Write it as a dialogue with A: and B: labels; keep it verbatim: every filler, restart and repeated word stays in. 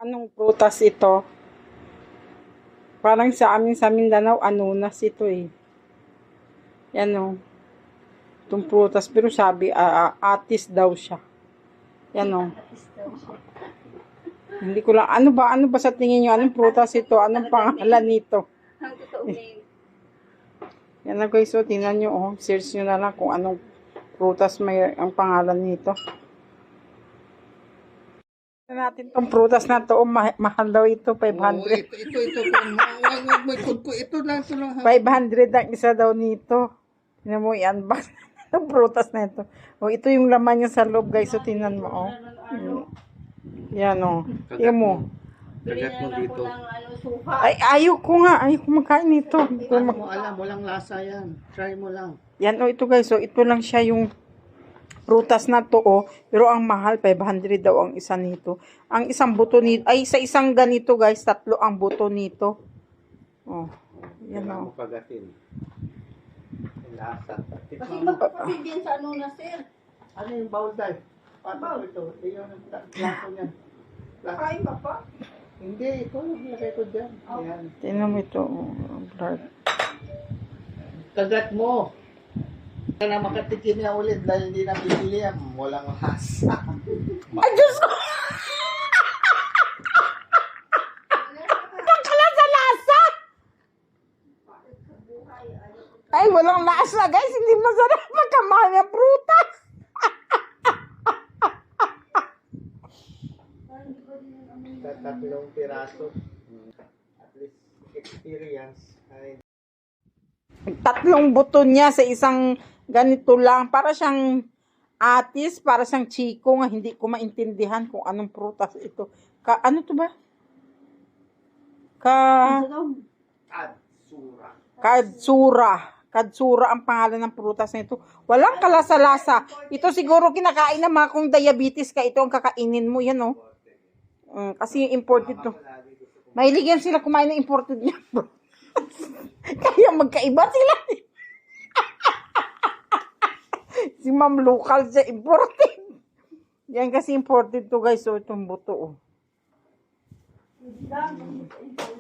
A: Anong prutas ito? Parang sa amin sa Mindanao, anunas ito eh. Yan o. Itong prutas. Pero sabi, uh, atis daw siya. Yan o. Hindi ko lang, ano ba, ano ba sa tingin nyo? Anong prutas ito? Anong pangalan nito?
B: Ang totoo name.
A: Yan na guys, so tingnan nyo, oh. Search nyo na lang kung anong prutas may ang pangalan nito. Natin tong prutas na to, oh, ma mahal daw ito, five hundred.
C: Oh, ito, ito, ito. Wag, wag, may kod ko. Ito lang, ito lang.
A: five hundred ang isa daw nito. Tingnan mo, i-unbox itong prutas na ito. Oh, ito yung laman niya sa loob, guys. So, tingnan mo, oh. Yan, oh. Tingnan mo.
C: Kagat mo dito.
A: Ay, ayaw ko nga. Ayaw ko magkain nito. Hindi ko
C: Ano
A: mag-
C: mo alam, walang lasa yan. Try mo lang.
A: Yan, oh, ito guys. So, ito lang siya yung prutas na to, oh. Pero ang mahal, five hundred daw ang isa nito. Ang isang buto nito, ay, sa isang ganito, guys, tatlo ang buto nito. Oh. Yan,
C: Kailangan
A: oh.
C: mo kagatin. Yung lasa.
B: Kasi
C: Tikman mo.
B: magpapapil din sa ano na, sir.
C: Ano yung bowl dive? Paano ito? Eh, yung plato niya. Plato.
B: Kain ka pa?
C: Hindi, ito lang nilagay ko dyan. Ayan.
A: Tingnan mo ito, oh. Blood.
C: Kagat mo. Kaya na makatikim na ulit dahil hindi na bibili yan. Walang lasa.
A: Ay, Diyos ko! Pagkalasa-lasa! Ay, walang lasa, guys. Hindi masarap magkamahal ng prutas.
C: Tatlong piraso. At least experience. Ay,
A: Tatlong buto niya sa isang ganito lang. Para siyang atis, para siyang chiko nga. Hindi ko maintindihan kung anong prutas ito. Ka, ano to ba? Ka,
C: Katsura.
A: kadsura. Kadsura ang pangalan ng prutas na ito. Walang kalasa-lasa. Ito siguro kinakain na mga kung diabetes ka. Ito ang kakainin mo. Yan, oh. Mm, kasi imported to. Mahilig yan sila kumain ng imported niya, bro. Kaya magkaiba sila. Si Ma'am local siya, imported. Yan kasi imported to guys. So, itong buto, oh.